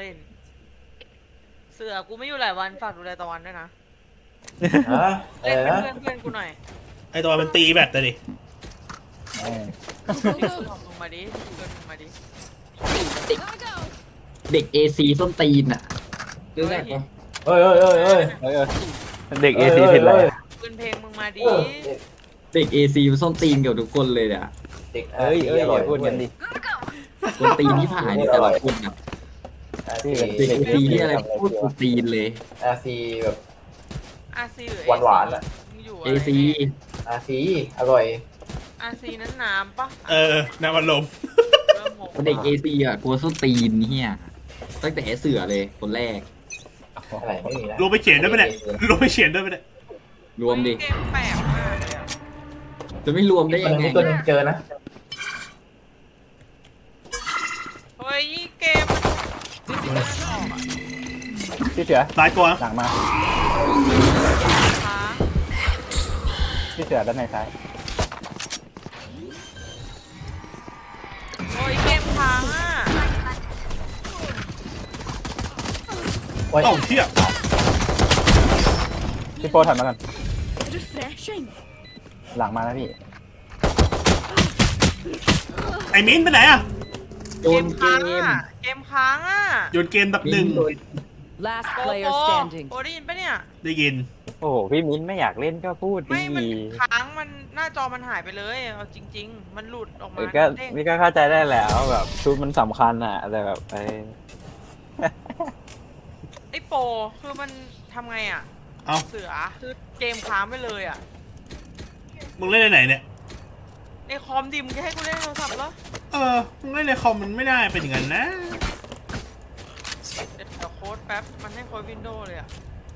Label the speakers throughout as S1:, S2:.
S1: เล่น เสือกูไม่อยู่หลายวันฝากดูแลตะวันด้วยนะ
S2: ฮะอะ
S1: เล่
S2: ไร
S1: น
S2: นะ
S1: เป็นเพื่อนกูหน่อย
S3: ไอตัวมันตีแบตเลยดิ
S1: พี่กูลงมาดิพี่กูลงมาดิ
S4: เด็กเอซีส้นตีนอ่ะรู้จักปะ
S2: เฮ้ยเฮ้ยเฮ้ยเฮ้ย
S5: เด็กเอซีผิดอะไร
S1: ปืนเพลงมึงมาดิ
S4: เด็กเอซีมันส้นตีนเกับทุกคนเลยอ่ะ
S2: เด็ก
S5: เอ้ยอ
S2: ร่อย
S5: ย่าพูดกันดิ
S4: ส้นตีนที่ผ่านนี่แต่ละคนอ่ะ
S2: นี่
S4: เด็กเอซีที่อะไรพูดส้นตีนเลย
S2: อาซีแบบ
S1: อาซีหรือ
S2: หวานๆอะ
S1: มึงอยู่
S4: เอซี
S2: อาซีอร่อย
S1: อาซีนั้นน้ำปะ
S3: น้ำมันลม
S1: เริ่มงง
S4: เด็กเอซีอ่ะกลัวส้นตีนเฮียตั้งแต่เสือเลยคนแรก
S2: อะไรไม่มีนะ
S3: ลงไปเขียนได้ไหมเนี่ยลงไปเขียนได้ไหมเนี่ย
S4: รวมดิ
S1: เกมแปลกมากเลยอะ
S4: จะไม่รวมได้
S2: ตัว
S4: ยัง
S2: นึ
S4: ไง
S2: งตัวนึงเจอนะ
S1: เฮ้ยเกมดิจิตอลออกอะ
S5: พี่เสือ
S3: ตายตัว
S5: หลังมา
S1: ค้าง
S5: พี่เสือด้านในซ้าย
S1: โอ้ยเกมค้างอ่ะ
S2: โอ้ย
S3: เอ้าเที่ย
S5: พี่โป้ถัดมากัน
S6: Refreshing.
S5: หลังมาแล้วพี่
S3: ไอมิ้นไปไหนอะ
S4: โยนเก
S1: ค้าง
S4: ม
S1: อ่ะเกมค้างอ่ะ
S3: โยนเกมดับหนึ่ง
S6: Last
S1: โป
S6: player
S1: โป
S6: standing.
S1: โปได้ยินปะเนี่ย
S3: ได้ยิน
S5: โอ้โหพี่มิ้นไม่อยากเล่นก็พูด
S1: ไม่
S5: ดี
S1: มันค้างมันหน้าจอมันหายไปเลยเอาจริง ๆ มันหลุดออกมา
S5: ก็
S1: เด้ง
S5: นี่ก็เข้าใจได้แล้วแบบชุดมันสำคัญอ่ะแต่แบบ
S1: ไอ้โปคือมันทำไงอ่ะ
S3: เอ้า
S1: เสือคือเกมค้างไปเลยอ่ะ
S3: มึงเล่นในไหนเนี่ย
S1: ในคอมดิมงจะให้กูเล่นโทรศัพท์เหรอ
S3: มึงเล่นในคอมมันไม่ได้เป็นอย่างนั้นนะ
S1: เดี๋ยวโค้ดแป๊บมันให้โค้ดวินโดว์เลยอ่ะ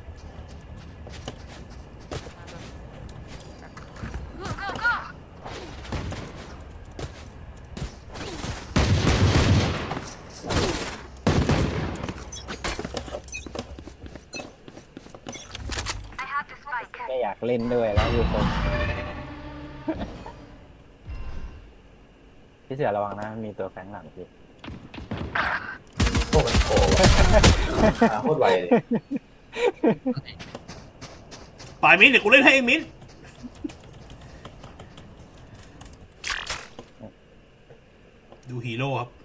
S5: ไม่อยากเล่นด้วยแล้วอยู่คนพี่เสือระวังนะมีตัวแฝงหลังพี่
S2: โอ้มันโผล่โคตรไวเลย
S3: ฝ่ายมิ้นเดี๋ยวกูเล่นให้เองมิ้นดูฮีโร่ครับ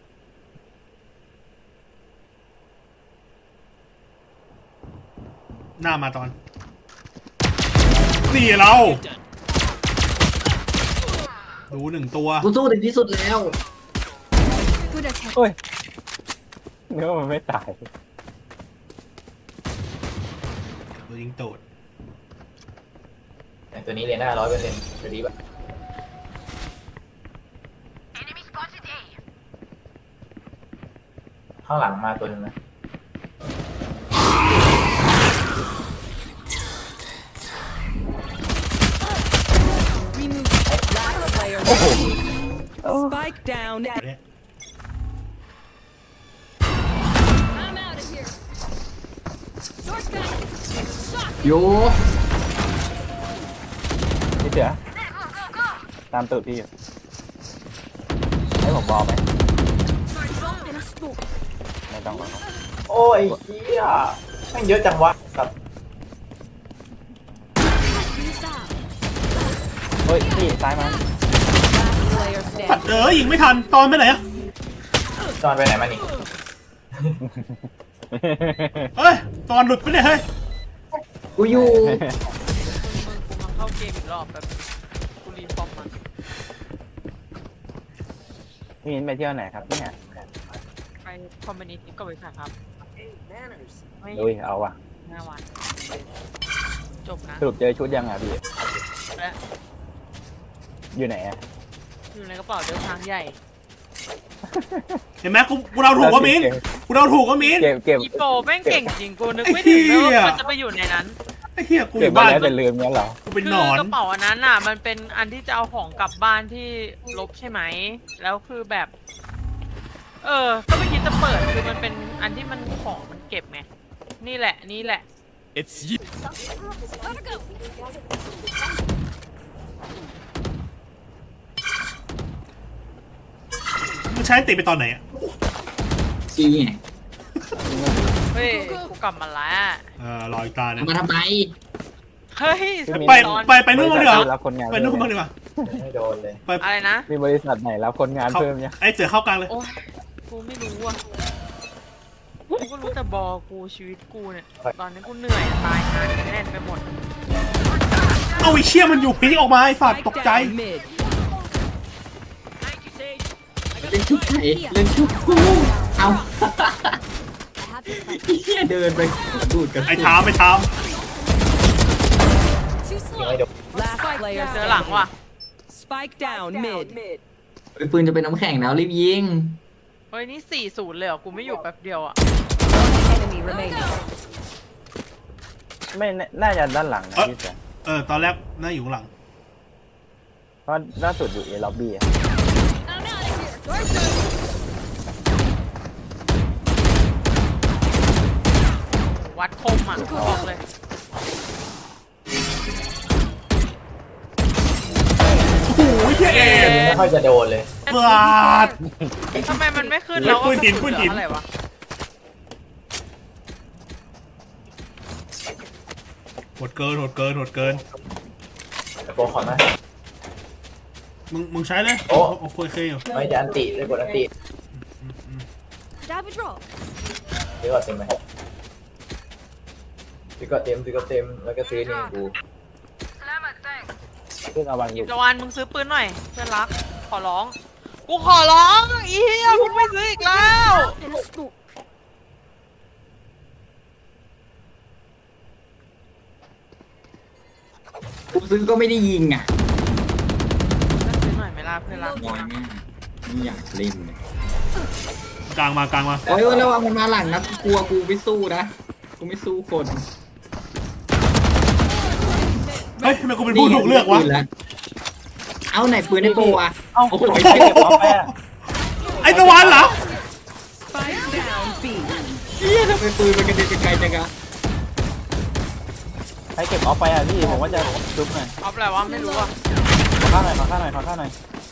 S3: หน้ามาตอนนี่เรา ดูหนึ่งตัว
S4: กูสู้ถึงที่สุดแล้ว
S6: Good attack.
S5: โอ้ยเนื้อมันไม่ตาย
S3: ตัวยิงโตด
S2: แต่ตัวนี้เลยหน้า100%ตัวนี้แบบข้างหลังมาตัวนึงนะ
S6: Remove. Last player standing. Spike down.
S3: เนี่ย
S6: I'm out of here. Sword gun.
S4: โย
S5: พี่เสือตามตูดพี่อยู่ให้ผมบอกไหม
S6: Drop in a smoke.
S5: ไม่ต้องหรอก
S2: โอ้ยเฮียแม่งเยอะจังวะครับ
S6: Use that.
S5: เฮ้ยพี่ซ้ายมา
S6: Last player
S3: ปัด
S6: standing.
S3: ยิงไม่ทันตอนไปไหนอะ
S2: จอนไปไหนมานี่
S3: เฮ้ยตอนหลุดไปเนี่ยเฮ้ย
S4: กูอยู่
S1: มึงกูมาเข้าเกมอีกรอบแบบกูรีฟอร์มมัน
S5: พี่มิ้นไปเที่ยวไหนครับเนี่ย
S1: ไปคอมมินิตี้กับบริษัทครับไม่
S5: อุ้ยเอาว่ะ
S1: 5 วันจบนะ
S5: สรุปเจอชุดยังอ่ะพี่
S1: และ
S5: อยู่ไหนอ่ะ
S1: อยู่ในกระเป๋าเดินทางใหญ่
S3: เห็นไหมกูเราถูกว่ามิ้นกูเราถูกว่ามิ้น
S5: เก็บ
S1: อีโปแม่งเก่งจริงกูนึกไม่ถึงเลยว่ามันจะไปอยู่ในนั้น
S3: ไอ้เหี้ยกูอ
S5: เก็บ
S3: ยู่
S5: มา
S3: บ้าน
S5: แล้วแต่ลืมงั้นเหรอ
S3: กูเป็น
S1: คื
S3: หนอน
S1: กระเป๋าอันนั้นอ่ะ มันเป็นอันที่จะเอาของกลับบ้านที่ลบใช่ไหม แล้วคือแบบ ก็ไม่คิดจะเปิดคือมันเป็นอันที่มันของมันเก็บไงนี่แหละนี่แหละ
S3: มันใช้ติดไปตอนไหนอะ
S4: จีไง
S1: เฮ้ยกูกลับมาแล้ว
S3: รออีกตาเนี่ย
S4: มาทำไม
S1: เฮ้ย
S3: ไปนู่นบ้างดีกว่า
S5: รับคนงาน
S3: ไปนู่นบ้างดีกว่า
S2: ไม่โดนเลย
S1: อะไรนะ
S5: มีบริษัทไหนรับคนงานเพิ่มยัง
S3: ไอ้เสือเข้ากลางเลย
S1: โอ้ยกูไม่รู้อ่ะกูก็รู้แต่บอกูชีวิตกูเนี่ยตอนนี้กูเหนื่อยอะตายงานแน่นไปหมด
S3: เอาไอ้เชี่ยมันอยู่พีกออกมาไอ้สัตว์ตกใจ
S6: mid.
S4: เล่นชุบไข่เล่นชุบกูเอา
S6: I have this fight.
S4: ไอ้เหี้ยเดินไปดูดกัน
S3: ไอ้ทาม
S6: Too
S2: ยัง
S6: slow.
S2: ไม่โดน
S7: Last player
S1: เจอหลังว่ะ
S7: Spike down mid.
S4: ไอ้ปืนจะเป็นน้ำแข็งแล้วรีบยิง
S1: เฮ้ยนี่4-0เลยเหรอกูไม่อยู่แป๊บเดียวอ่ะ
S7: Enemy remaining.
S5: ไม่น่าจะด้านหลังนะพี่เสือ
S3: ตอนแรกน่าอยู่ข้างหลัง
S5: เพราะล่าสุดอยู่เอล็อบบี้
S6: I'm out of here. Door's
S1: วัดคมอ่ะบอกเลย
S3: โอ้ยเหี้ยเอ็น
S2: ไม่ค่อยจะโดนเลย
S3: ปาด
S1: ทำไมมันไม่ขึ้นแล้ว
S3: เฮ้ยปืนหิน
S1: กระสุ
S3: ปืนหิน
S1: เหลืออะไรวะ
S3: โหดเกิน
S2: แต่โปรขอนนะ
S3: มึงใช้เลย
S2: โอ้
S3: โอเคอยู่
S2: ไม่จะอันติเลยกดอันติ
S6: Dab a drop.
S2: ซื้อก่อนเต็มไหมซื้อก่อนเต็มแล้วก็ซื้อนี่กู
S5: เรื่องระวังอยู่
S1: ตะวันมึงซื้อปืนหน่อยเพื่อนรัก ขอร้อง กูขอร้องอีเหี้ยมึงไม่ซื้ออีกแล้ว
S6: In a smoke.
S4: กูซื้อก็ไม่ได้ยิงอ่ะ
S1: ซื้อหน่อยไหมล่ะเพื่อนรัก
S4: น้อยมากไม่อยากเล่นเลย
S3: กลางมา
S4: โอ้ยระวังมันมาหลังนะกูกลัวกูไม่สู้นะกูไม่สู้คน
S3: เฮ้ยทำไมกูเป็นผู้ถูกเลือกวะ
S4: เอาไหนปืนในโปรอ่ะ
S5: เอ้า
S4: โอ้โห
S5: ไอ้เก็บออฟไปอะ
S3: ไอ้ตะวันเหรอ
S7: Spike down B.
S4: เฮียทำไมปืนมันกระเด็นไกลจังอะ
S5: ให้เก็บออฟไปอ่ะพี่ผมว่าจะซุปหน่อย
S1: เอาอะไรวะไม่รู้อ่ะ
S5: ขอข้าวหน่อยขอข้าวหน่อยขอข้าวหน่อย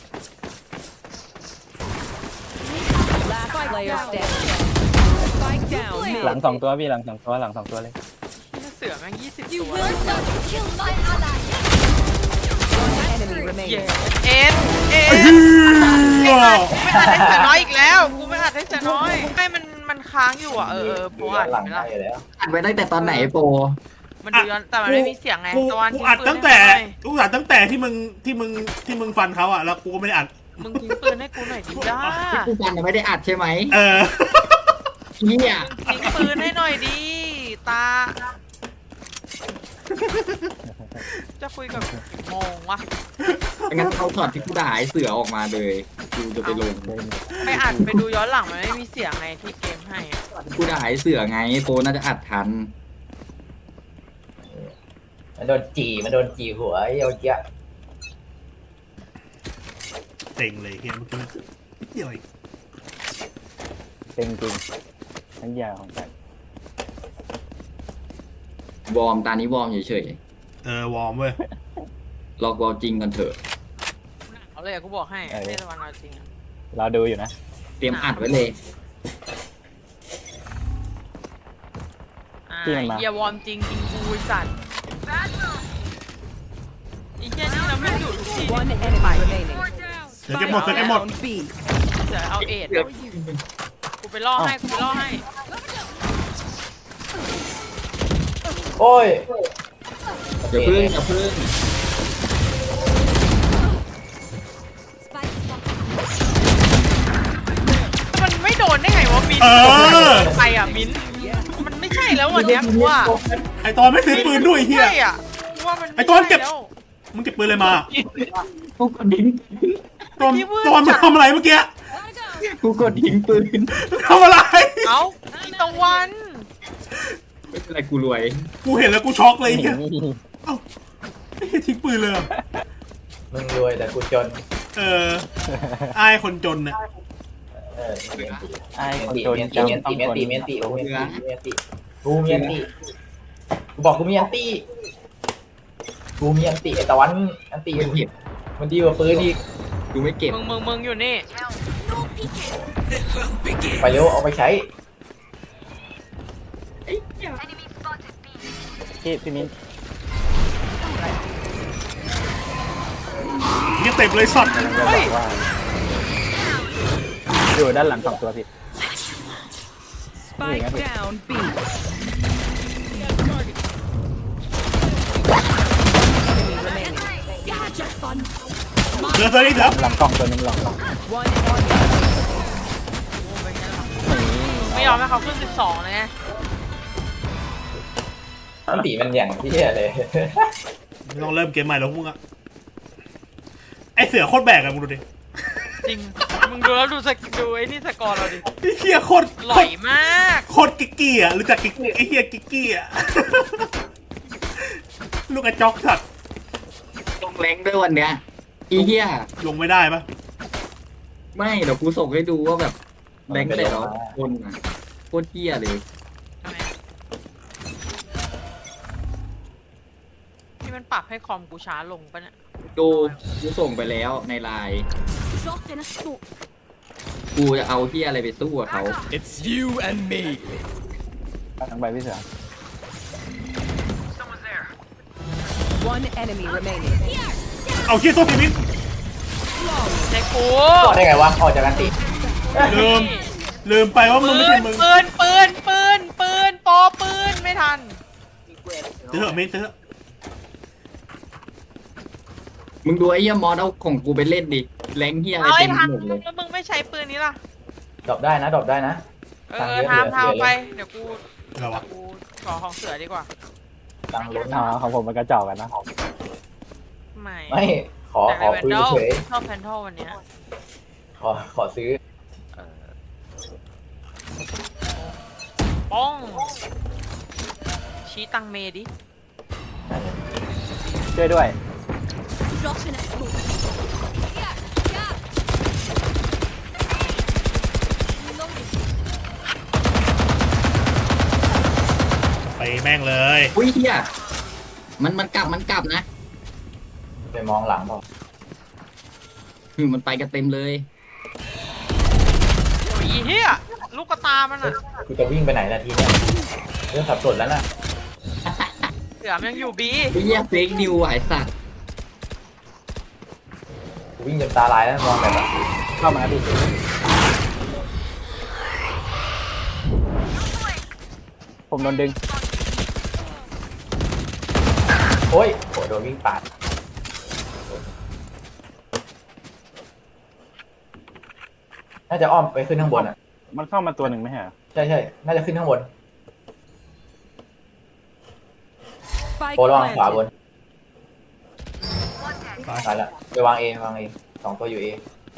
S7: Last player standing. Spike down
S5: หลัง
S7: mid.
S5: สองตัวพี่หลังสองตัวหลังสองตัวเลย
S1: เสือแม่ง20
S6: You
S1: ตัว
S6: will not kill my ally.
S7: Enemy
S1: เย้
S7: remaining.
S1: เอ็นเอ็น
S3: เหี้ย
S1: ไม่อัดให้เสือน้อยอีกแล้ว กูไม่อัดให้เสือน้อยให้มันค้างอยู่อ่ะโปรอัด
S2: หลัง
S1: ไหม
S2: ได้
S1: ล่ะ
S2: อยู่แล้ว
S4: อัดไว้ตั้งแต่ตอนไหนโปร
S1: มันดูย้อนแต่มันไม่มีเสียงไงตะวัน
S3: กู
S1: ทิ้ง
S3: อัด
S1: ปืน
S3: ตั้ง
S1: ให้
S3: แต่
S1: กูหน่อย
S3: กูอัดตั้งแต่ที่มึงฟันเขาอ่ะแล้วกูก็ไม่ได้อัด
S1: มึงทิ้งปืนให้กูหน่อยดิจ้า
S4: ที่กูฟันไม่ได้อัดใช่ไหม
S3: เออ
S4: เฮีย
S1: ทิ้งปืนให้หน่อยดิตา จะคุยกับกี่โมงวะ
S4: งั้นเอาถอดที่กูด่าไอ้เสือออกมาเลยกูจะไปลง
S1: ไปอัดไปดูย้อนหลังมันไม่มีเสียงไงที่เกมให้อะ
S4: กูด่าไอ้เสือไงโปรน่าจะอัดทัน
S2: มันโดนจีหัวไอ้เจี๊ย
S3: เต็งเลยเฮียเมื่อกี้เดี๋ยวอีก
S5: เต็งจริงทั้งยาของกัน
S4: วอร์มตานี้วอร์มเฉยว
S3: อร์มเว้ย
S4: ๆลอกวอร์มจริงกันเถอะ
S1: เอาเลยอะกูบอกให้เทศบาลเอาจริงอะ
S5: เราดูอยู่นะ
S4: เตรียมอัดไว้เลย
S1: เฮียวอร์มจริงจริงกูไอ้สัตว์ไอ้เหี้ยนี่เราไม่อยู่ทุกที
S7: One enemy remaining.
S3: เดี๋ยวเก็บหมด
S7: Down B.
S1: เสือเอาเอ็ดอะกูไปล่อให้กูไปล่อให้
S2: โอ้ย
S4: อย่าพึ่งอย่าพึ่ง
S6: Spike spot.
S1: มันไม่โดนได้ไงวะมิ้น
S3: เออ
S1: ไปอ่ะมิ้นมันไม่ใช่แล้ววันเนี้ยกูว่า
S3: ไอตอนไม่ซื้อปืนด้วยเฮีย
S1: ใช่อ่ะกูว่ามันม่
S3: ไอ้ต้นเก็บ
S1: ใช่แล้ว
S3: มึงเก็บปืนเลยมา
S4: กูกดทิ้ง
S3: ตอนมึงทำอะไรเมื่อกี้
S6: Gotta go.
S4: กูกดทิ้งปืน
S3: มึงทำอะไร
S1: เอ้าอีตะวัน
S4: ไม่เป็นไรกูรวย
S3: กูเห็นแล้วกูช็อกเลยเฮีย
S5: นี่
S3: เอ้าไม่ใช่ทิ้งปืนเลยเหรอ
S2: มึงรวยแต่กูจน
S3: อายคนจนน่ะ
S5: ไอ้คน
S2: ตี
S5: โดน
S2: เมียน
S5: จำ
S2: ตี
S5: ต้อง
S2: เมียน
S5: คน
S2: ตีเมียนตีกูเมียนตีกูเมียนตีกูบอกกูเมียนตีกูเมียนตีไอ้ตะวันอันตี
S4: ไม่เก็บ
S2: มันดีกว่าปืนอีก
S4: กูไม่เก็บ
S1: มึงอยู่นี่
S6: No peeking.
S2: ไปเร็วเอาไปใช้
S5: พี่มิ้น
S3: เงี้ยเต็มเลยสัตว์
S5: กำลังจะบอกว่าอยู่ด้านหลัง2 ตัวพี่
S7: Spike down B. Enemy remaining.
S6: You had your fun.
S3: เดือดเลยครับ
S5: หลังกล่องตัวหนึงหลังกล่อง
S7: One enemy.
S1: ไม่ยอมให้เขาขึ้น 12เลยไง
S2: อันตีมันอย่างที่เหี้ยเลย
S3: ไม่ต้องเริ่มเกมใหม่แล้วพวกมึงอะไอเสือโคตรแบกอะมึงดูดิ
S1: จริง มึงดูแล้วดูไอ้นี่สกอร์เราดิ
S3: ไอ้เฮียโคตร
S1: หล่อยมาก
S3: โคตรกิกกี้อะรู้จักกิกไอเฮียกิกกี้อะลูกกระจอกสัตว์
S4: ลงแรงด้วยวันเนี้ยอีเหี้ย
S3: ลงไม่ได้ปะ
S4: ไม่เดี๋ยวกูส่งให้ดูว่าแบบแรงแต่ละคนอ่ะโคตรเหี้ยเลย
S1: ทำไมที่มันปรับให้คอมกูช้าลงปะเนี่ย
S4: ดูกูส่งไปแล้วในไลน์
S6: Drop in a smoke.
S4: กูจะเอาเหี้ยอะไรไปสู้กับเขา
S8: It's you and me.
S5: ทั้งใบพี่เสือ
S7: One enemy remaining.
S3: เอาเฮียโทษทีมิ้น
S1: ใช่กู
S2: ต่อได้ไงวะออกจากกันติ
S3: ลืมไปว่ามึงไม่ใช่มึง
S1: ปืนปอปืนไม่ทัน
S3: เถอะมิ้นเถอะ
S4: มึงดูไอ้เหี้ยมอสเอาของกูไปเล่นดิแรงเหี้ยอะไร
S1: เอา
S4: เต็
S1: ไอ้
S4: ม
S1: ทัน
S4: หมดเลย
S1: แล้วมึงไม่ใช้ปืนนี้ล่ะ
S2: ดรอปได้นะดรอปได้นะ
S1: ทำไป เดี๋ยวกู
S3: อะไรวะ
S1: ขอของเสือดีกว่า
S2: ตังค์ล้น
S5: อ๋อของผมมันกระจอกกันนะ
S1: ไม่
S2: ไม่ขอ
S1: แต่
S2: ขอ
S1: แวน
S2: คุย
S1: ดอล
S2: เฉย
S1: ชอบแพนทอลวันเนี้ย
S2: ขอซื้อ
S1: ป้อง ชี้ตังเมดิ
S5: ช่วยด้วย
S6: Drop in a smoke. Yeah, yeah. Reloading.
S3: ไปแม่งเลย
S4: อุ้ยเหี้ยมันกลับนะ
S2: ไปมองหลังพอ
S4: มันไปกันเต็มเลย
S1: โอ้ยเฮียลูกกระตามันอ่ะ
S2: กูจะวิ่งไปไหนนาทีเนี้ยเรื่องสับสนแล้วน่ะ
S1: เสือมันยังอยู่บี
S4: ไอ้เหี้ยเฟกนิวไอ้สัตว์
S2: กูวิ่งจนตาลายแล้วมองแบบ
S5: เข้ามาพี่ผมโดนดึง
S2: โอ้ยโหโดนวิ่งปาดน่าจะอ้อมไปขึ้นข้างบนอ่ะ
S5: มันเข้ามาตัวหนึ่งไหมฮะ
S2: ใช่น่าจะขึ้นข้างบน
S7: Spike
S2: โอ้ระวังขวาบ
S7: planted.
S2: นตายละไปวางเอ2 ตัวอยู่เอ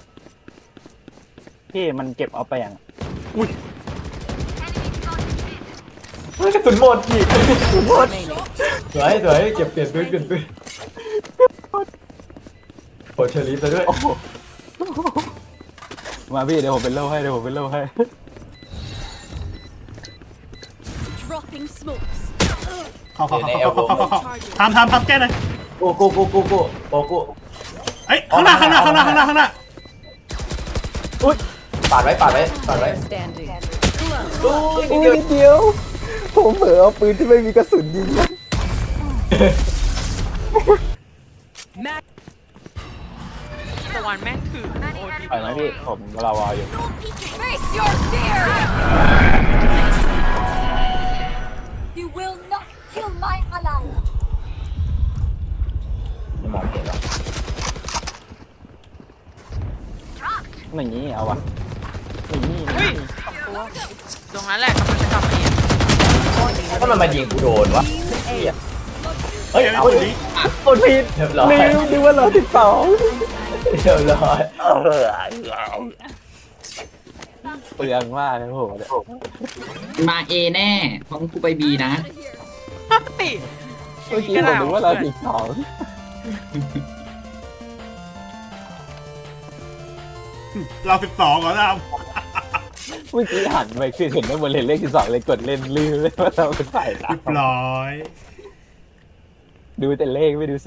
S5: พี่มันเก็บเอาไปอย่าง
S2: เฮ้ยกระสุนหมดอีก
S7: Remaining.
S2: สวยเก็บเปลี่ยนปืนโหเชอรี่ซะด้วย
S5: มาพี่เดี๋ยวผมเป็นโล่ให้
S6: Dropping smokes.
S3: เข้าทำแก้หน่อย
S2: โกู
S3: เอ้ยข้างหน้า
S2: ปาดไว้
S7: Standing.
S5: อุ้ยเดียว ผมเผลอเอาปืนที่ไม่มีกระสุนยิง
S7: Max.
S1: ตะวันแม่งถือโอ้ดี
S5: ปล่อยไหมพี่ผมรอวออยู่
S6: Face your fear. You will not kill my ally.
S2: ไม่มองเห็นหรอก
S5: อย่างนี้เอาวะอย่างนี้
S1: เฮ้ยสองตัวตรงนั้นแหละกำลังจะกลับมาอีก
S2: ถ้ามันมายิงกูโดนวะเฮ้ย
S3: เฮ้ย
S2: เอา
S3: เอา
S2: ดิ
S3: ดิ
S5: กดผิด
S2: เรียบร้อย
S5: นึกว่าเรา12
S2: เรียบร้อย
S5: เปลืองมากเลยโหเนี่ย
S4: มาเอแน่เพราะกูไปบีนะ
S1: เฮ้ย
S5: เมื่อกี้ผมนึกว่าเรา12
S3: เรา12ก่อนนะ
S5: เมื่อกี้หันไปคือเห็นว่าบนเลนเลข12เลยกดเล่นลืมเลยว่าเราเป็นฝ่ายตา
S3: เรียบร้อย
S5: ดูแต่เลขไม่ดูสี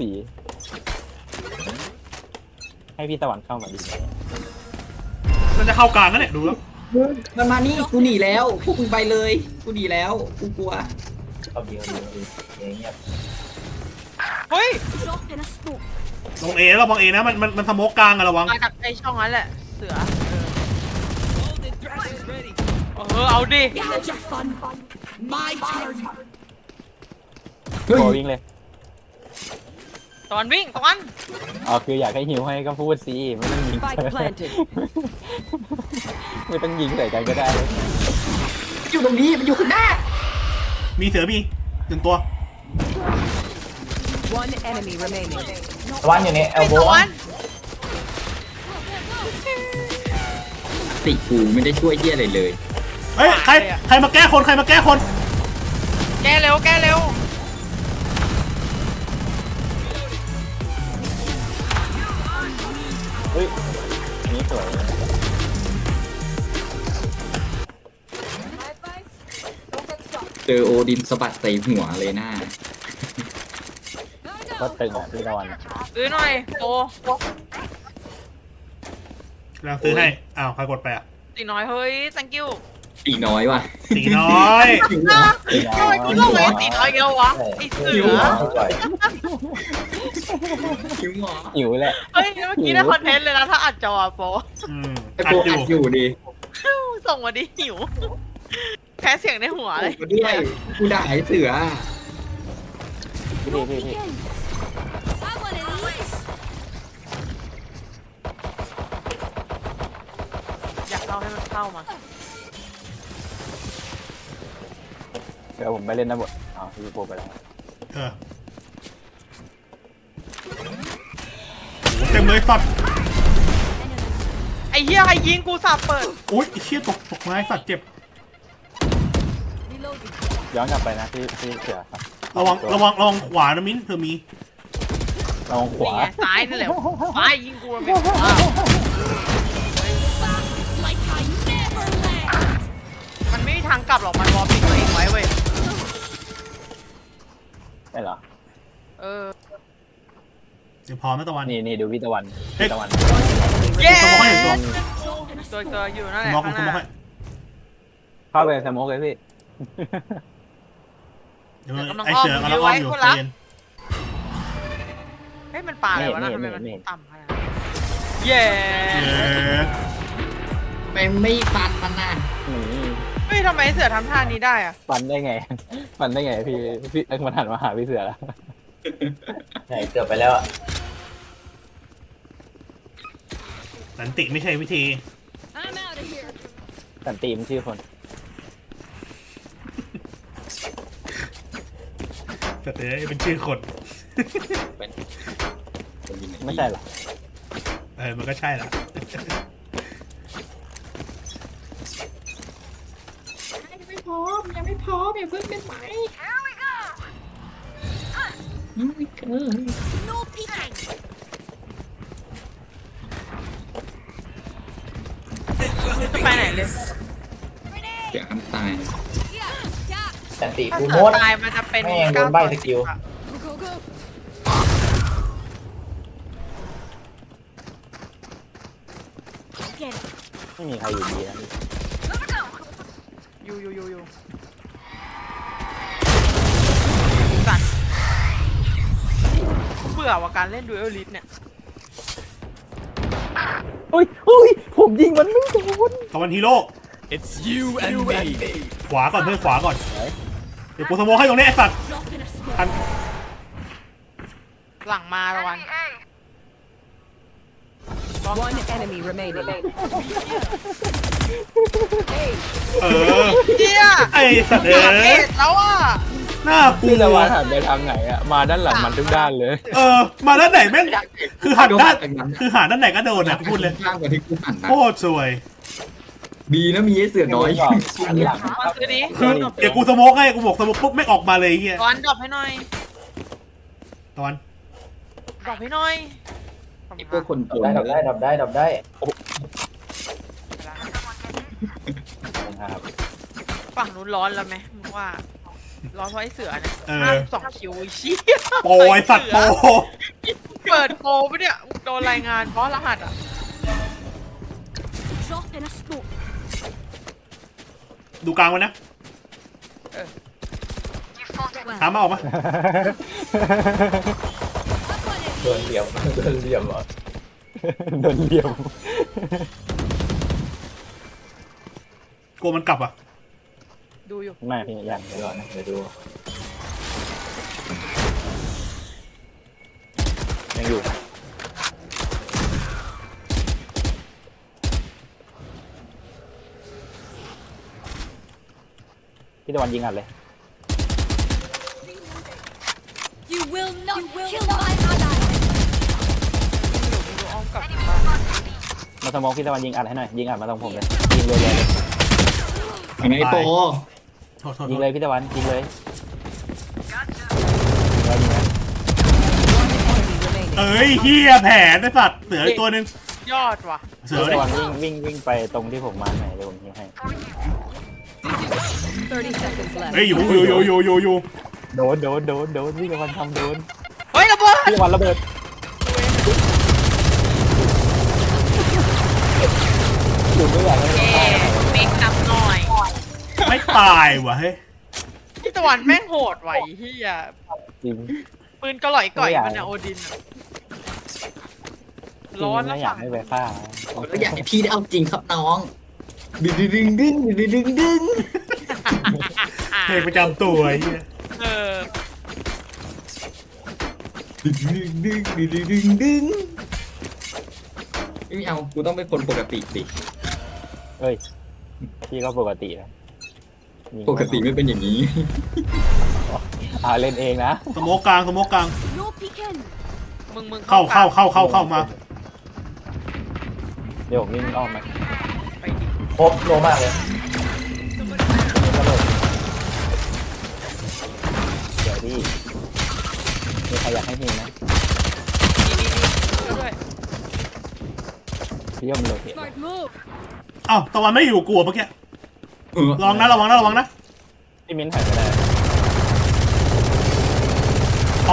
S5: ให้พี่ตะวันเข้ามาดี
S3: มันจะเข้ากลางแล้วเนี่ยดูแล้ว
S4: มันมานี่กูหนีแล้วพวกมึงไปเลยกูหนีแล้วกูกลัว
S2: เอาดีเงียบ
S1: เฮ้ย
S6: Drop in a smoke.
S3: ลงเอระวังเอนะมันสโมกกลางอะระวัง
S1: มาจากไอช่องนั้นแหละเสือเอาดิ
S6: You had your fun. My turn.
S4: เฮ้ย
S5: โบวิ่งเลย
S1: ตอนวิ่งตอน
S5: อ๋อคืออยากให้หิวให้ก็พูดสิไม่ต้องยิง
S7: Spike planted.
S5: ไม่ต้องยิงใส่กันก็ได้
S4: มันอยู่ตรงนี้มันอยู่ข้างหน้า
S3: มีเสือมีหนึ่งตัว
S7: One enemy remaining.
S2: ตะวันอยู่ในเอ
S1: ไอ
S2: ลโบ
S1: ตอน
S4: ติกูไม่ได้ช่วยเหี้ยอะไรเลย
S3: เฮ้ยใครมาแก้คนใครมาแก้คน
S1: แกเร็วแกเร็ว
S5: เฮ้ยอันนี้สวย
S4: เจอโอดินสะบัดใส่หัวเลยหน้า
S5: ก็ตึงอ่ะพี่ตะวัน
S1: ซื้อหน่อยโต
S3: กำลังซื้อให้อ้าวใครกดไปอ่ะ
S1: ตีน้อยเฮ้ย thank you
S4: ตีน้อยว่ะ
S3: ตีน้อย
S1: ทำไมกูต้องเลยตีน้อยเดียววะไอเสือ
S2: จ่อย
S4: คิ้วหมอ
S5: หิวแหละ
S1: เฮ้ยเมื่อกี้ได้คอนเทนต์เลยนะถ้าอัดจอโป
S4: ไอ้โปอัดอยู่ดิ
S1: ส่งมาดิหิวแพ้เสียงในหัวเลย
S4: มาด้วยกูด่าไอ้เสือ
S5: พี่
S6: I want to these.
S1: อยากเล่าให้มันเข้ามา
S5: เดี๋ยวผมไปเล่นนะบทอ๋อพี่โปไปแล้ว
S3: เออโหเต็มเลยสัตว์
S1: ไอ้เหี้ยใครยิงกูสับเปิด
S3: อุ้ยไอ้เชี่ยตกไม้สัตว์เจ็บ
S6: Reloading.
S5: ย้อนกลับไปนะพี่เสือครับ
S3: ระวังขวานะมิ้นเธอมี
S5: ระวังข
S1: นี่
S5: วา
S1: ไงซ้ายนั่นแหละซ้ายยิงกูมันเป็นขวา
S6: Like I never left.
S1: มันไม่มีทางกลับหรอกมันวอลปิดตัวเองไว้เว้ย
S5: ไม่เหรอ
S1: เออ
S3: เดี๋ยวพร้อมนะตะวัน
S5: นี่ดูพี่ตะวัน
S3: เฮ้ย
S5: พี่ตะวัน
S1: เย้
S3: สมองให้ตัว
S1: ตัวอยู่นั่นแหละ
S3: มอง
S1: ข้าง
S3: ส
S1: ห
S3: มอง
S1: น้า
S3: ให้
S5: เข้าไปในสโมกเลยพี่
S3: เดี๋ยวไอเสือกำลังอ้อมอยู่ใจเย็น
S1: เฮ้ยมันปลาอะไรวะนะทำไมมันต่ำขนาดนั้นเย้
S4: ไปไม่ฟันมันน่ะ
S1: เฮ้ยทำไมเสือทำท่านี้ได้อะ
S5: ฟันได้ไงพี่มันหันมาหาพี่เสือแล้ว
S2: ใช่เกือบไปแล้วอ่ะ
S3: สันติไม่ใช่วิธี
S6: I'm out of here.
S5: สันติมนชื่อคน
S3: แต่เป็นชื่อคน
S5: ไม่ใช่หรอ
S3: มันก็ใช่ละ
S4: ยังไม่พร้อมอย่าเพิ่งเป็นไหม
S6: No peeking.
S1: จะไปไหนเลย
S4: เดี๋ยวอันตาย
S6: Yeah. Yeah.
S2: สันติ
S1: ถ้า
S2: กู
S1: เสื
S2: โม
S1: อ
S2: ด
S1: ตายมันจะเป็น
S2: แม่งโดนใบ้สกิล
S6: Go go go.
S5: ไม่มีใครอยู่ดีนะพี่
S1: อยู่สัตว์เบื่อว่าการเล่นดูเอลลิสเนี่ย
S5: อุ้ยผมยิงมันไม่โดน
S3: ตะวันฮีโร่
S8: It's you and me.
S3: ขวาก่อนเพื่อนขวาก่อนเดี๋ยวกูสโมกให้ตรงนี้ไอสัตว์
S6: Drop in a smoke.
S3: อัน
S1: หลังมาละวัน
S7: One enemy remaining.
S3: เออ
S1: เจี๊ย
S3: ไอสัตว์
S1: อยากเอ็ดแล้วอ่ะ
S3: หน้ากลั
S5: พี่ตะวัน
S3: ว
S5: หันไปทางไหนอะมาด้านหลังมันทุกด้านเลย
S3: มาด้านไหนแม่งคือหันด้านคือหันด้านไหนก็โดนนะพูดเลย
S4: ข้างกว่าที่กูหันนะ
S3: โคตรสวย
S4: ดีนะมีไอ้เสือน้อย
S5: อันหลัง
S1: มาซื้อดิ
S3: คือเดี๋ยวกูสโมกให้กูบอกสโมกปุ๊บไม่ออกมาเลยไอ้เฮีย
S1: ตอนดรอปให้หน่อย
S3: ตอน
S1: ดรอปให้หน่อย
S4: ไอ้พวกคนโกง
S2: ดับได้
S5: ครับ
S1: ฝั่งนู้นร้อนแล้วไหมมึงว่า ร้อนเพราะไอ้เสือเนี่ย
S3: เออ
S1: 52 คิวไอ้เชี้
S3: โปรไอสัตว์โปร
S1: เปิดโปรปะเนี่ยโดนรายงานเพราะรหัสอ่ะ
S6: Drop in a smoke.
S3: ดูกลางไว้นะถามมาออกมา
S2: โดนเหลี่ยมโดนเหลี่ยมเหรอ
S5: โดนเหลี่ยม
S3: กลัวมันกลับอ่ะ
S1: ดูอยู่
S5: ไม่พี่ยัง
S2: เดี๋ยวรอนะเดี๋ยวดู
S5: ยังอยู่พี่ตะวันยิงอัดเลย
S6: You will not kill my ally.
S1: ดูอ้อมกลับ
S5: มาสมองพี่ตะวันยิงอัดให้หน่อยยิงอัดมาตรงผมเลยยิงเลยเลย
S4: ไอ้ไงโป
S3: โทษโทษ
S5: ยิงเลยพี่ตะวันยิงเลยยิงเลย
S7: One enemy remaining.
S3: เอ้ยเฮียแผนไอ้สัตว์เสืออีกตัวหนึง
S1: ยอดว่ะ
S3: เสือ
S5: พี่
S3: ดิ
S5: ตะวันวิ่งไปตรงที่ผมมาร์คไหนเดี๋ยวผมยิงให้
S7: 30 seconds left.
S3: เฮ้ยอยู่
S5: โดนพี่ตะวันทำโดน
S1: เฮ้ยระเบิด
S5: พี่ตะวันระเบิดอยู่ไม่อยากให้
S1: เอ๊เมคนำหน่อย
S3: ไม่ตายว่ะเฮ้ย
S1: พี่ตะวันแม่งโหดไหวเฮีย
S5: จริง
S1: ปืนกระหล่อยก่อย
S5: ไม่อยาก
S1: มันอะโอดินอะร้อน
S5: ไม่
S1: แล้ว
S5: อยา
S1: ฝั่
S5: ก
S1: ง
S5: ให้ไปฆ่า
S4: ก็อยากให้พี่ได้เอาจริงครับน้องดึงดึงดึงดึงดึงดึง
S3: เพลงประจำตัวไอ้เฮีย
S1: เออ
S4: ดึงดึงดึงดึงดึงดึงไม่เอากูต้องเป็นคนปกติสิ
S5: เอ้ยพี่ก็ปกตินะยิง
S4: ปกติไม่เป็นอย่างนี้
S5: เล่นเองนะ
S3: สโมกกลาง
S6: No peeking.
S1: มึง
S3: เข้ามา
S5: เดี๋ยวผมวิ่งอ้อมมา
S1: ไปดิ
S2: ครบโลมากเลย
S5: เดี๋ยวพี่มีใครอยากให้พิมไหม
S1: ช่วยด้วย
S5: พี่ยมโลเกต
S6: Smart move.
S3: เอ้าตะวันไม่อยู่กลัวเมื่อกี้ระวังนะระวังนะ
S5: พี่มิ้นถ่ายไปได้
S3: พอ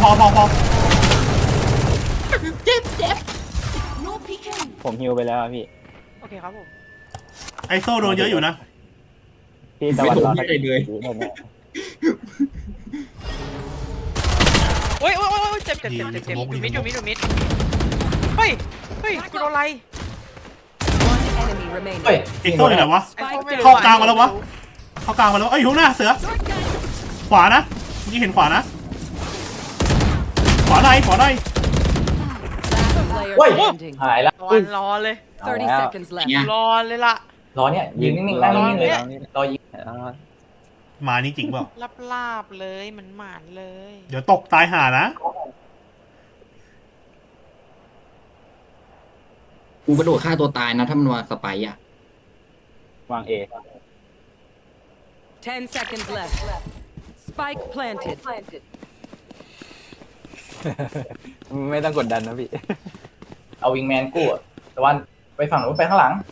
S6: No peeking.
S5: ผมฮิวไปแล้วอะพี่
S1: โอเคครับผม
S3: ไอโซ่โดนเยอะอยู่นะ
S5: พี่ตะวันรอ
S4: ไม่ได้เลย
S1: โอ้ยเจ็บอยู่มิดเฮ้ยกูโดนอะไร
S7: One enemy remaining.
S2: เฮ้ย
S3: ไอโซ่อยู่ไหนวะ
S7: Spike
S3: เข้ากลางมาแล้ววะ เข้ากลางมาแล้วเอ้ยอยู่ข้างหน้าเสือ ขวานะเมื่อกี้เห็นขวานะ ขวาใน
S7: Last player
S2: เฮ้ย
S7: standing.
S2: หายแล้ว
S1: ตะวันรอเลย
S7: 30 seconds left.
S4: เนี่ย
S1: รอเลยล่ะ
S2: รอเนี่ยยืนนิ่งๆนั่งนิ่งๆเลยรอยิง
S3: มานี่จริงเปล่า
S1: ลาบเลยมันหมานเลย
S3: เดี๋ยวตกตายห่านะ
S4: กูกระโดดฆ่าตัวตายนะถ้ามันวางสไปร์อ่ะ
S5: วางเอ
S7: 10 seconds left. Spike planted.
S5: ไม่ต้องกดดันนะพี่
S2: เอาวิงแมนกู้อะตะวันไปฝั่งนู้นไปข้างหลัง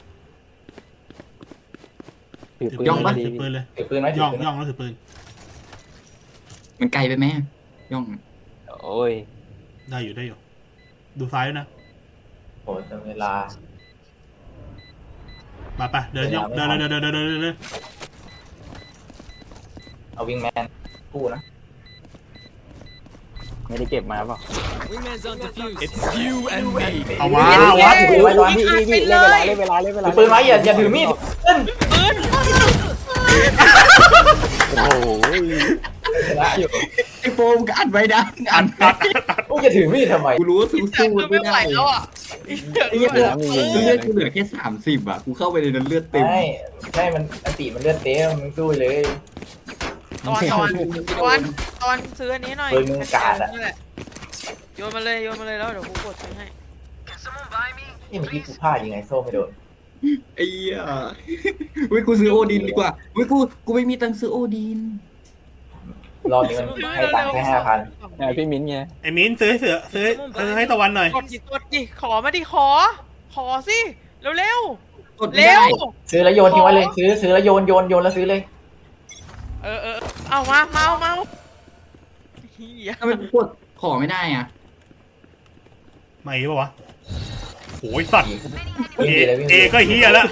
S5: ถือปืน
S4: ย่องปะ
S5: ดี
S3: ถือปืนเลย
S2: ถือปืนไว้ถื
S3: ย่
S2: อ
S3: อง
S2: ปืน
S3: แล้วถือปืน
S4: มันไกลไปไหมย่อง
S5: โอ้ย
S3: ได้อยู่ ดูซ้ายด้วยนะ
S2: โอ้ยเวลา
S3: ไปเดินย่องเดิน
S2: เอาวิงแมนกู้นะ
S5: ไม่ได้เก็บมาเปล่า
S8: Wingman's on defuse. It's you and me.
S3: เอาวะวะ
S2: ถือไว้ตะวัน
S5: พี่เล่นเวลา
S2: ถือปืนไว้อย่าถือมีดเล่น
S5: โอ้โห
S2: ชนะอยู่
S4: ไอ้โฟมก็อัดไว้นะอัด
S2: กูจะถือมีดทำไม
S4: กูรู้ว่าสู้
S1: คือ
S4: ไม่
S1: ไม่ไหว
S4: ได้
S1: แล้วอ่ะ
S4: ไอ้เหี้ยเลือดกูเหลือแค่30อ่ะกูเข้าไปในนั้นเลือดเต็ม
S2: ไม่มันอติมันเลือดเต็มมึงสู้เลย
S1: ตอนซื้ออันนี้หน่อย
S2: ปืนมึงกาดอะ
S1: นี่แหละโยนมาเลยแล้วเดี๋ยวกูกดซื้อให้
S2: นี่เมื่อกี้กูพลาดยังไงโซ่ไม่โดน
S4: ไอ้เหี้ยเว้ยกูซื้อโอดินดีกว่าเว้ยกูไม่มีตังค์ซื้อโอดิน
S2: รอบนี้มันให้ตังค์แค่5,000
S5: พี่มิ้นไง
S3: ไอ้มิ้นซื้อให้ตะวันหน่อย
S1: กดดิขอมาดิขอสิเร็ว
S4: กด
S1: ๆ
S4: ไม่
S1: เร็
S4: ได้
S1: ว
S2: ซื้อแล้วโยนทิ้งไว้เลยซื้อแล้วโยนแล้วซื้อเลย
S1: เออเอามาเฮีย
S4: ทำไมกูกดขอไม่ได้อ่ะ
S3: มาอีกปะวะโอ้ยสัตว์
S2: วิ่งดีเลยวิ่ง
S3: เอ
S2: ดี
S3: ก็เฮียแล้ว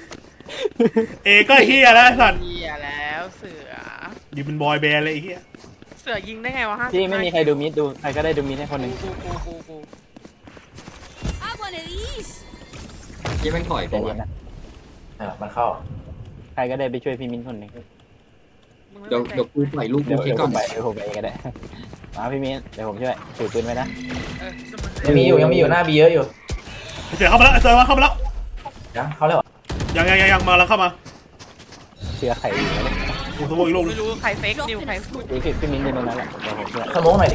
S3: เอก็เฮียแล้วสัตว์
S1: เฮียแล้วเสือ
S3: อยู่เป็นบอยแบนด์เลยไอ้เฮีย
S1: สือยิงได้ไงวะ
S5: พี่ไม่มีใครดูมิดดูใครก็ได้ดูมิดให้คนหนึ่ง
S1: กู
S6: I want of these.
S4: ที่แม่งถอย
S5: ใจ
S4: ไป
S5: เย็
S4: วะ
S5: นนะ
S2: มันเข้า
S5: ใครก็ได้ไปช่วยพี่มิ้นคนหนึ่ง
S1: มึง
S4: เดี๋ยว
S1: ไม่
S4: เดี๋ยวกูปล่อยลูก
S5: เดี๋
S4: กู
S5: ยว
S4: เช็คก่อน
S5: ผมไปก็ได้มาพี่มิ้นเดี๋ยวผมช่วยถือปืนไว้นะ
S1: เออ
S2: ยังมีอยู่หน้าบีเยอะอยู่
S3: เสือเข้ามาแล้วเสือเข้ามาแล้ว
S2: ยังเข้าแล้วเหรอ
S3: ยังมาแล้วเข้ามา
S5: เสือไข่อยู่แล้ว
S3: โอ้โหอีกลูก
S1: ไม่รู้ใครเฟกนิวใครพูด
S5: พี่มิ้นอยู่ตรงนั้นแหละเดี๋ยวผมช่วย
S2: สโมองหน่อยดิ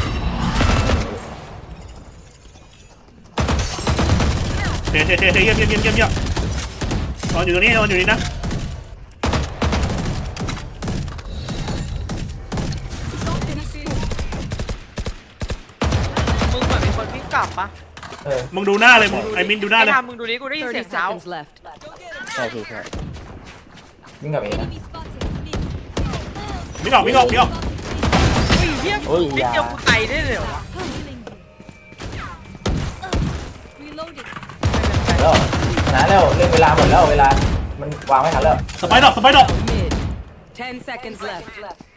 S3: เทเยี่ยมนอนอยู่ตรงนี้นอนอยู่นี่นะ
S1: มึงเหมือนเป็นคนวิ่งกลับปะ
S3: มึงดูหน้าเลยมึงไอ้มิ้นดูหน้าเลย
S1: ไอ้ทำมึงดูดิกูได้ยินเสียง
S7: 30
S1: เท้า
S7: seconds left.
S5: ใช่พี่ใช่
S2: วิ่งกลับเองนะ
S6: Enemy spotted. Mid.
S3: มิดออก
S1: ไอ้เหี้ยนิดเดียวกูไตได้เลยเหรอวะ
S6: Healing. Reloading.
S2: แล้วชนะแล้วเรื่องเวลาหมดแล้วเวลามันวางไม่ทันแล้ว
S3: สไปดอก
S7: Mid. 10 seconds left.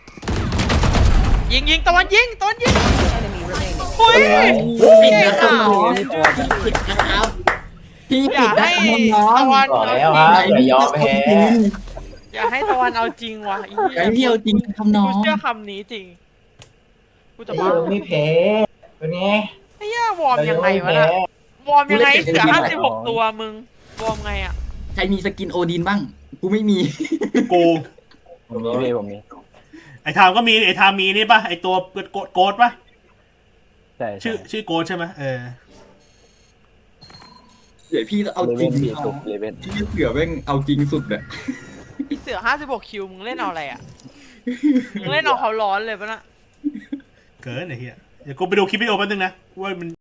S1: ยิงตะวันยิง
S7: Enemy remaining.
S1: อุ้ย
S4: ผิดนะครับ
S1: เก่งอ่ะ
S4: ผิดนะครับพี่
S1: อย่า
S4: ผิดนะ
S1: ให้
S4: น้อง
S1: ตะวัน
S2: บอก
S1: เอา
S2: แล้ว
S1: จ
S2: ค
S1: ริ
S2: รับ
S1: ง
S2: อย่ายอมแพ้
S1: อย่าให้ตะวันเอาจริงว่ะ
S4: ไอ้พี่เอาจริงทำน้อ
S1: กู
S4: ง
S1: เชื่อคำนี้จริงกูจะ
S2: ไอ้
S1: บ้า
S2: เรื่องไม่แพ้เป็นไง
S1: ไอ้เหี้ยวอร์มยังไงวะน่ะวอร์มยังไงเสือ56ตัวมึงวอร์มไงอ่ะ
S4: ใครมีสกินโอดินบ้าง กูไม่มี
S3: กู
S5: ผมมีพี่ผมมี
S3: ไอ้ทามก็มีไอ้ทามมีนี่ป่ะไอ้ตัวโกดป่ะ
S5: ใช่
S3: ชื่อโกดใช่ไหม
S4: เดี๋ยวพี่เอา
S5: เล
S4: จ
S5: เว
S4: ริง
S5: นสี่สุดเลเวน
S4: พี่เสือแม่งเอาจริงสุดอะ
S1: ไอ้เสือ56คิวมึงเล่นเอาอะไรอ่ะมึงเล่นเอาเขาร้อนเลยปะน่ะ
S3: เกินไอ้เหี้ยเดี๋ยวกูไปดูคลิปวิดีโอแป๊บนึงนะว่ามัน